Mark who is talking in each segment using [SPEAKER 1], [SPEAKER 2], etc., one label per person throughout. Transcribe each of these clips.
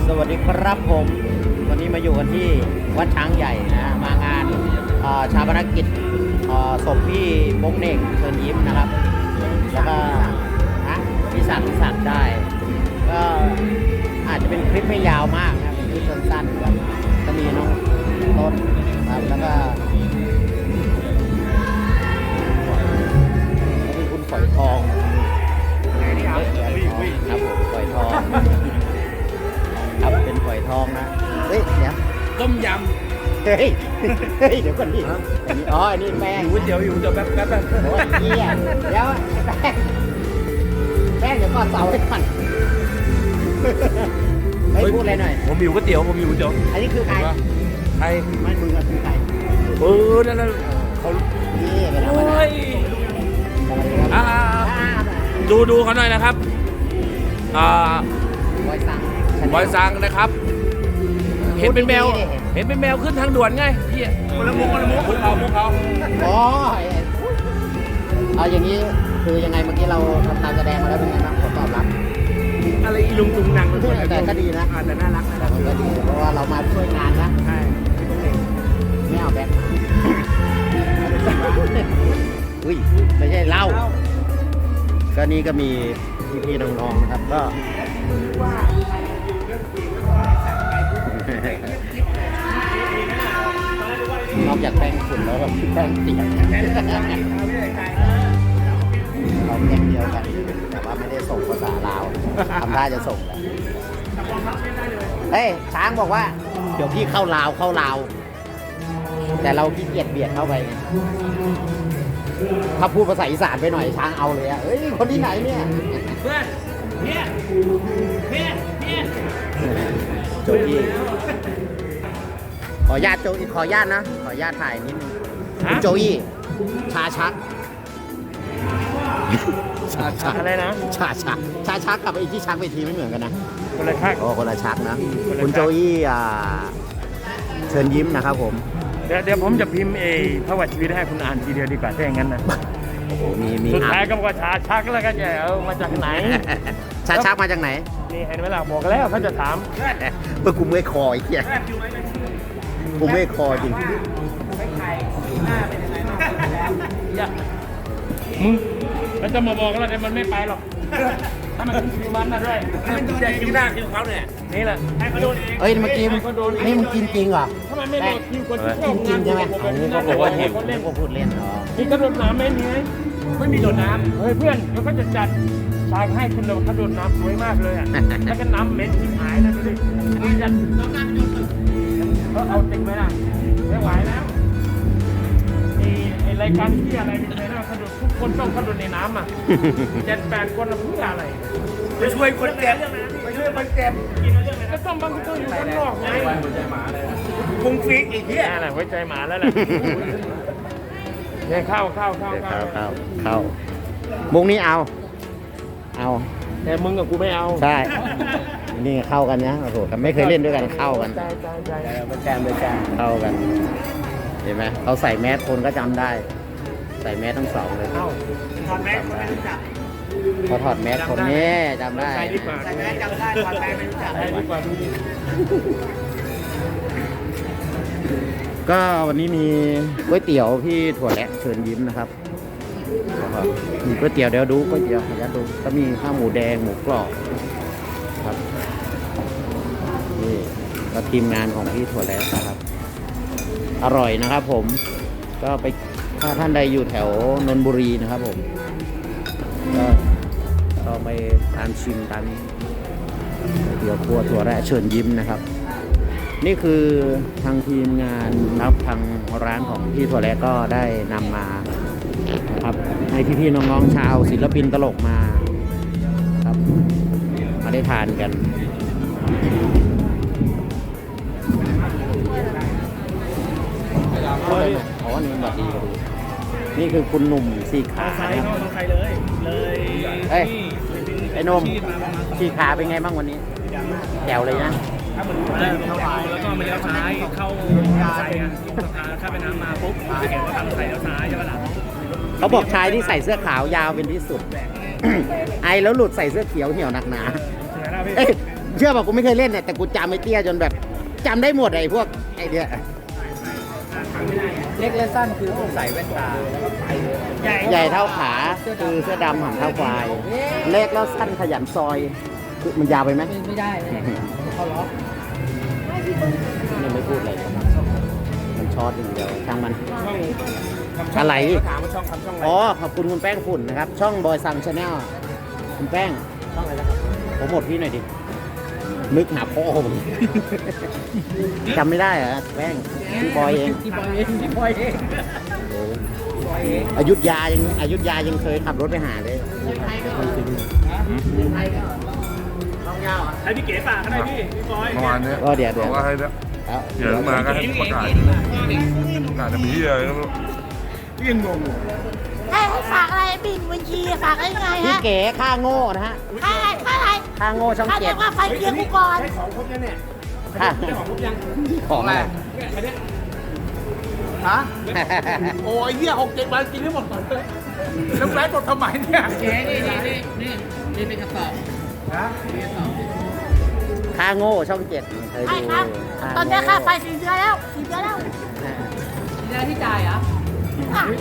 [SPEAKER 1] สวัสดีครับผมวันนี้มาอยู่กันที่วัดช้างใหญ่นะมางานชาปนกิจศพพี่โป๊งเหน่งเชิญยิ้มนะครับแล้วก็พี่ศักดิ์ได้ก็อาจจะเป็นคลิปไม่ยาวมากนะเป็นคลิปสั้นๆครับก็มีน้องต้นครับแล้วก็มีคุณฝอยทองครับผมฝอยทองครับเป็นฝอยทองนะเฮ้ยเดี๋ยว
[SPEAKER 2] ต้มย
[SPEAKER 1] เฮ้ยเดี๋ยวก่อนดิอ๋ออันนี้แป้ง
[SPEAKER 2] ำเดี๋ยวแป๊บ
[SPEAKER 1] โอ้ยเหี้ยเดี๋ยวแป้งเดี๋ยวก่อนเสาให้ก่อนไม่พูดอะไรหน่อย
[SPEAKER 2] ผมหิวก๋วยเตี๋ยว
[SPEAKER 1] อันนี้คือใครไม่มึงอะคือใคร
[SPEAKER 2] นั่นเขา
[SPEAKER 1] นี่เป็นอะไร
[SPEAKER 2] ดูเขาหน่อยนะครับบอยซังนะครับเห็นเป็นแมวขึ้นทางด่วนไงพี่คนละมุกพวกเขา
[SPEAKER 1] อ๋อเอาอย่างนี้คือยังไงเมื่อกี้เราทำการแสดงมาแล้วเป็นไงบ้างผลตอบรับ
[SPEAKER 2] อะไรอีลุงตุงนัง
[SPEAKER 1] แต่ก็ดีนะ
[SPEAKER 2] แต่น่ารัก
[SPEAKER 1] แต่ก็ดีเพราะว่าเรามาช่วยงานนะ
[SPEAKER 2] ใช่
[SPEAKER 1] ไม่เอาแบงค์อุ้ยไม่ใช่เหล้าก็นี่ก็มีพี่น้องๆนะครับก็นอกจากแป้งฝุ่นแล้วก็แป้งเตียงเราแป้งเดียวกันแต่ว่าไม่ได้ส่งภาษาลาวทำท่าจะส่งแหละเฮ้ยช้างบอกว่าเดี๋ยวพี่เข้าลาวแต่เราขี้เกียจเบียดเข้าไปไงถ้าพูดภาษาอีสานไปหน่อยช้างเอาเลยอ่ะเฮ้ยคนที่ไหนเนี่ย
[SPEAKER 2] เพื่อน
[SPEAKER 1] โจยี่ขอญาตนะขอญาตถ่ายนิดนึงคุณโจยี่ชาชัก
[SPEAKER 2] อะไรนะ
[SPEAKER 1] ชาชักกับไอ้ที่ชักไปทีไม่เหมือนกันนะ
[SPEAKER 2] คนละชัก
[SPEAKER 1] คนละชักนะคุณโจยี่เชิญยิ้มนะครับผม
[SPEAKER 2] เดี๋ยวผมจะพิมพ์พระวัติชีวิตให้คุณอ่านทีเดียวดีกว่าถ้าอย่างนั้นนะ
[SPEAKER 1] โอ้โหมี
[SPEAKER 2] สุดท้ายก็บอกว่าชาชักแล้วก็จะเอามาจากไหน
[SPEAKER 1] ชาชักมาจากไหน
[SPEAKER 2] นี่เห็นไหมล่ะบอกแล้วเขาจะถาม
[SPEAKER 1] เมื่อกูไม่คอไอ้เหี้ยกูไม่คอจริง
[SPEAKER 2] มึงแล้วจะมาบอกแล้วแต่มันไม่ไปหรอกถ้ามันคิวมันนะด้วยมันจะคิวหน้าคิวเขาเนี่ยนี่แหละให้เขาโดนเอง
[SPEAKER 1] เอ้ยเมื่อกี้นี่มึงกินจริงเหรอ
[SPEAKER 2] ทำไมไม่โดนคิวคนที่
[SPEAKER 1] กินจริงใช่ไหม
[SPEAKER 2] เขาบอกว่าเห็น
[SPEAKER 1] เล่นก็พูดเล่นเหรอ
[SPEAKER 2] นี่ก็โดนน้ำไม่มีโดนน้ำเฮ้ยเพื่อนเดี๋ยวเขาจะจัดฉากให้คุณเราเขาโดนน้ำสวยมากเลยอ่ะแล้วก็น้ำเหม็นที่หายนะดูดิมึงจะเขาเอาจริงไหมล่ะไม่ไหวแล้วไอ้รายการที่อะไรเป็นไงนะกระโดดทุกคนต้องกระโดดในน้ำอ่ะ7-8 คนเพื่ออะไร
[SPEAKER 3] ไปช่วยคนเจ็บ
[SPEAKER 2] ก็ต้องบางคนอยู่ข้างนอกไง
[SPEAKER 3] พุงฟิกอีกที่
[SPEAKER 2] อะไรไว้ใจหมาแล้วแหละเนี่ยเข้า
[SPEAKER 1] มุกนี้เอา
[SPEAKER 2] แต่มึงกับกูไม่เอา
[SPEAKER 1] ใช่นี่เข้ากันนะโอ้โหไม่เคยเล่นด้วยกันเข้ากัน
[SPEAKER 2] ไปแจม
[SPEAKER 1] เข้ากันเห็นไหมเขาใส่แมสคนก็จำได้ใส่แมสทั้งสองเลย
[SPEAKER 3] ถอดแมสคนไม่รู้จัก
[SPEAKER 1] เขาถอดแมสคนนี้จำได้
[SPEAKER 3] ใส่แมสจำได้ถอดแมสไม่รู้จัก
[SPEAKER 2] ดีกว่าดูดิ
[SPEAKER 1] ก็วันนี้มีก๋วยเตี๋ยวพี่ถั่วแระเชิญยิ้มนะครับมีก๋วยเตี๋ยวเดี๋ยวดูก๋วยเตี๋ยวอยากดูก็มีข้าวหมูแดงหมูกรอบครับนี่ก็ทีมงานของพี่ถั่วแระนะครับอร่อยนะครับผมก็ไปถ้าท่านใดอยู่แถวนนทบุรีนะครับผมก็ไปทานชิมกันเดี๋ยวครัวถั่วแระเชิญยิ้มนะครับนี่คือทางทีมงานนะครับทางร้านของพี่ถั่วแระก็ได้นำมานะครับให้พี่ๆน้องๆชาวศิลปินตลกมาครับมาได้ทานกันอ๋อนี่บัดดีก็ดูนี่คือคุณหนุ่มสี่ขา
[SPEAKER 2] ครับใครเลย
[SPEAKER 1] เฮ้ยไอ้นมสี่ขาเป็นไงบ้างวันนี้แจ๋วเลยนะ
[SPEAKER 2] เข้าไปแล้วก็มาเลี้ยวซ้ายเข้าใส่ลงสะพานข้ามแม่น้ำมาปุ๊บเห็นว่าทางใส่เลี้ยวซ้ายใช่ไหมล่ะ
[SPEAKER 1] เขาบอกชายที่ใส่เสื้อขาวยาวเป็นที่สุดไอแล้วหลุดใส่เสื้อเขียวเหี่ยวหนักหนาเชื่อป่ะกูไม่เคยเล่นเนี่ยแต่กูจำไอ้เตี้ยจนแบบจำได้หมดไอ้พวกไอ้เนี้ย
[SPEAKER 3] เล็กและสั้นคือต้องใส่แว่นตา
[SPEAKER 1] ใหญ่เท่าขาคือเสื้อดำหางเท่าควาย เล็กแล้วสั้นขยันซอยคือมันยาวไปไหม
[SPEAKER 3] ไม่ได้เขาล็อก
[SPEAKER 1] ยังไม่พูดเลยมันช็อตอย่างเดียวช่างมัน
[SPEAKER 2] ช่อง
[SPEAKER 1] อะไร
[SPEAKER 2] ถามว่าช่องทำช่องอะไร
[SPEAKER 1] อ๋อขอบคุณคุณแป้งฝุ่นนะครับ ช่องบอยซังชาแนลคุณแป้ง
[SPEAKER 2] ช่องอะไรนะครับ
[SPEAKER 1] ผมหมดพี่หน่อยดิ นึกหาพ่อผมจำไม่ได้เหรอแป้งพี่บอยเอง
[SPEAKER 3] ที่บอยเองที่บอยเอง
[SPEAKER 1] โอ้
[SPEAKER 3] บอยเอง
[SPEAKER 1] อยุธยายังเคยขับรถไปหาเลย
[SPEAKER 2] ให้พี่เก๋ฝากก็ได้พี่บอย
[SPEAKER 4] เมื่อวานเนี้ย
[SPEAKER 1] ก็เดี๋ยว
[SPEAKER 4] บอกว่าให้แล้ว
[SPEAKER 1] แล้ว
[SPEAKER 4] เดี๋ยวมาก็ให้ประกาศประกาศจะมีที่อะไรก็ไม่รู้ยังงงอยู่
[SPEAKER 5] ให้ฝากอะไรบินบัญชีฝากอะไรไง
[SPEAKER 1] พี่
[SPEAKER 5] ฮะ
[SPEAKER 1] เก๋ค่าโง่นะฮะ
[SPEAKER 5] ค่าอะไรค่าอะไร
[SPEAKER 1] ค่าโง่ช่อง
[SPEAKER 5] ค่า
[SPEAKER 1] เจ็
[SPEAKER 5] เรี
[SPEAKER 1] ด
[SPEAKER 5] ยกว่าไฟเกียร์กูก่อน
[SPEAKER 2] ได้ของครบยังเนี่ย
[SPEAKER 1] ค่า
[SPEAKER 2] ได้ของครบยัง
[SPEAKER 1] ของอะไร
[SPEAKER 2] เนี่ยอันเนี้ย
[SPEAKER 3] ฮะโอ้ยเหี้ย6-7 วันกินไม่หมดก่อนเลยแล้วแม่กดทำไมเนี่ยเจ๊นี่เป็นกระสอบฮะ
[SPEAKER 1] ค่าโง่ช่องเจ็ดเคย
[SPEAKER 5] ใช่
[SPEAKER 1] ดู
[SPEAKER 5] ครับ ตอนนี้ค่าไฟ4 เดือนแล้ว4 เดือนแล้ว
[SPEAKER 3] เดือนที่จ่ายเหรอ
[SPEAKER 5] อ่ะ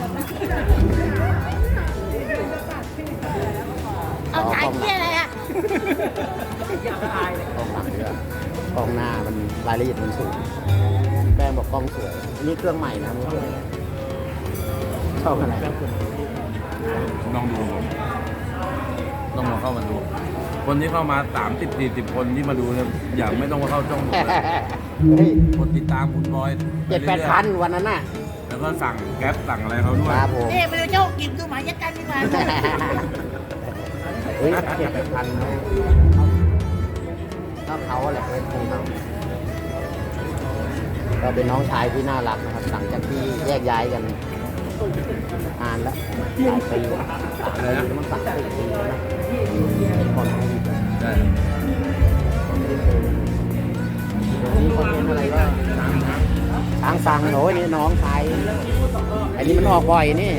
[SPEAKER 5] เอาจ่ายเที่ยอะไรอ่ะ
[SPEAKER 3] อยากตายเลย
[SPEAKER 1] กล้องหลังด้วยกล้องหน้ามันรายละเอียดมันสูงแป้งบอกกล้องสวยนี่เครื่องใหม่นะไม่ใช่ชอบอะไร
[SPEAKER 4] ลองดูต้องมาเข้ามาดู คนที่เข้ามา30-40 คนที่มาดูเนี่ยอย่าไม่ต้องมาเข้าช่องผมเลย
[SPEAKER 1] เฮ้ย
[SPEAKER 4] คนติดตามคุณบอย
[SPEAKER 1] 7-8 พันวันนั้นน่ะ
[SPEAKER 4] แล้วก็สั่งแก๊ปสั่งอะไรเขาด้วย
[SPEAKER 1] ครับผม
[SPEAKER 5] นี่ไปดูเจ้ากินดูหมายัดกันดีกว่า
[SPEAKER 1] เฮ้ย7-8 พันก็เขาแหละเป็นของเขาก็เป็นน้องชายที่น่ารักนะครับหลังจากที่แยกย้ายกันนานแล้วหลายปีแล้วมัน3-4 ปีแล้วนะเป็นคนของอีก
[SPEAKER 4] ใช่
[SPEAKER 1] นี่คอนเทนต์อะไรก็ช้างสังโอ้ยนี่น้องชายอันนี้มันออกบ่อยนี่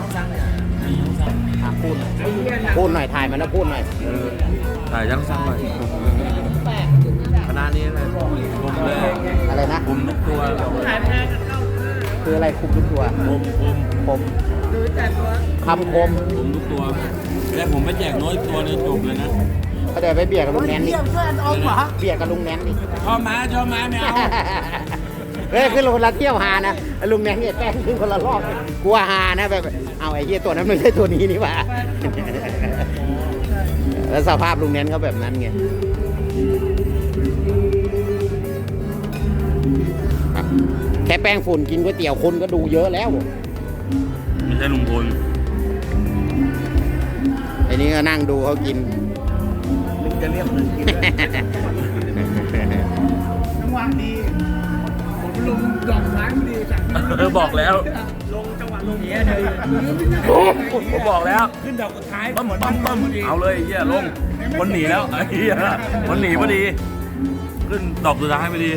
[SPEAKER 1] พูดหน่อยถ่ายมันแล้วพูดหน่อย
[SPEAKER 4] ถ่ายยังสั่งหน่อยคณะนี้อะไรผมเลย
[SPEAKER 1] อะไรนะ
[SPEAKER 4] คุมทุกตัว
[SPEAKER 1] คืออะไรคุมทุกตัว
[SPEAKER 4] ผม
[SPEAKER 1] คำคม
[SPEAKER 4] ผมทุกตัวแต่ผมไม่แจกน้อยตัวนึงจบเลยนะ
[SPEAKER 1] ก็เดี๋ยวไปเบียดกับลุงแนนดิ
[SPEAKER 5] เยี่ยมช่วยอันอมเหรอ
[SPEAKER 1] เบียดกับลุงแนนดิ
[SPEAKER 4] ชอบม้าไม่เอา
[SPEAKER 1] เฮ้ยขึ้นคนละเที่ยวหานะลุงแนนเนี่ยแป้งขึ้นคนละรอบกลัวหานะแบบเอาไอ้เหี้ยตัวนั้นไม่ใช่ตัวนี้นี่หว่าแล้วสภาพลุงแนนเขาแบบนั้นไงแค่แป้งฝุ่นกินก๋วยเตี๋ยวคนก็ดูเยอะแล้ว
[SPEAKER 4] ไม่ใช่ลุงพล
[SPEAKER 1] ไอ้นี้ก็นั่งดูเขากิน
[SPEAKER 3] มึงจะเรียกมึงกินด้วยจังหวะดีผมลงดอกไม้พอดีจาก
[SPEAKER 4] บอกแล้ว
[SPEAKER 3] ลงจังหวะลงเนี้ยเลย
[SPEAKER 4] ผมบอกแล้ว
[SPEAKER 3] ขึ้นดอกสุดท้าย
[SPEAKER 4] ปั๊มเอาเลยไอ้เหี้ยลงคนหนีแล้วไอ้เหี้ยคนหนีพอดี ขึ้นดอกสุดท้ายพอดี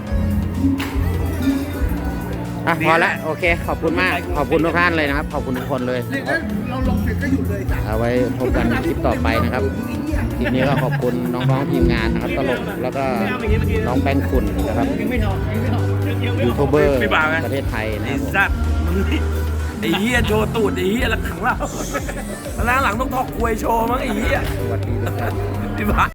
[SPEAKER 1] อ่ะพอละโอเค ขอบคุณมาก ขอบคุณทุกท่านเลยนะครับ ขอบคุณทุกคนเลย
[SPEAKER 3] เราลงเสร็จก็หยุดเลยจ้ะ
[SPEAKER 1] เอาไว้พบกันคลิปต่อไปนะครับ คลิปนี้ก็ขอบคุณน้องๆทีมงานนะครับตลกแล้วก็น้องแป้งฝุ่นนะครับ
[SPEAKER 3] ยังไม่นอนยังไม่นอน
[SPEAKER 1] ยูทูบเบอร์
[SPEAKER 4] พี่บ่าวไง
[SPEAKER 1] ประเทศไทยนะค
[SPEAKER 4] ไอ้
[SPEAKER 1] รับผม
[SPEAKER 4] สัตว์มึงนี่ไอ้เหี้ยโชว์ตูดไอ้เหี้ยหลังเราหลังต้องทอกควยโชว์มั้งไอ้เหี้ย
[SPEAKER 1] สวัสดีทุกท่าน
[SPEAKER 4] พี่บ่าว